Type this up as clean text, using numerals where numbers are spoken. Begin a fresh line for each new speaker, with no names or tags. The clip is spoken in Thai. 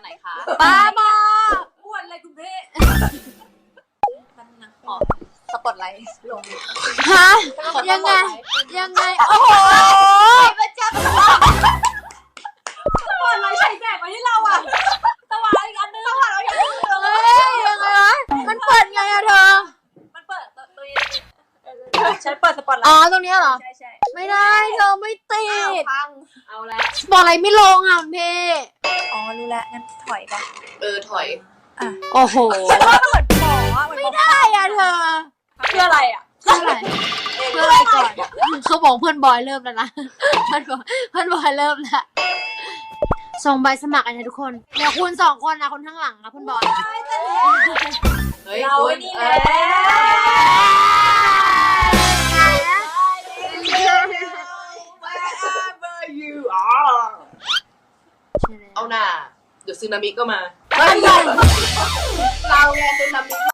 คะ
บ้าบอ
อ้วนอะไรคุณเบ้มันนะขอสปอตไลท์ลง
ฮะยังไงโอ้โห
มันจะสปอตไลท์ใส่แสงมาที่เราอ่ะสว่างอีกอันนึงสว่างเราอย่างนึง
เฮ้ยยังไงวะมันเปิดไงอะเธอ
มันเปิดตัวนี้ฉันเปิดสปอตไล
อ๋อ
ท์
ตรงเนี้ยเหรอ
ใช่ใช่
ไม่ได้เธอไม่ติด
พังเอาละ
บอกอะไรไม่ลงอ่ะคุณพี่
อ๋อรู้แล้วงั้นถอยไป
ถอย
โอ้โห
ฉันว่ามันเหมือนหมออ่ะเหมือนหมอ
ได้อะเธอ
เพื่ออะไรอ่ะ
เพื่ออะไรเพื่ออะไรก่อนเขาบอกเพื่อนบอยเริ่มแล้วนะเพื่อนบอยเริ่มแล้วส่งใบสมัครกันนะทุกคนเดี๋ยวคุณ2 คนนะคนข้างหลังนะคุณบอย
เฮ้ย
เรา
คุณ
นี่แหละ
เอาหน่าเดี๋ยวซึนามิก็มา
เราไงเป็นน้ำมิ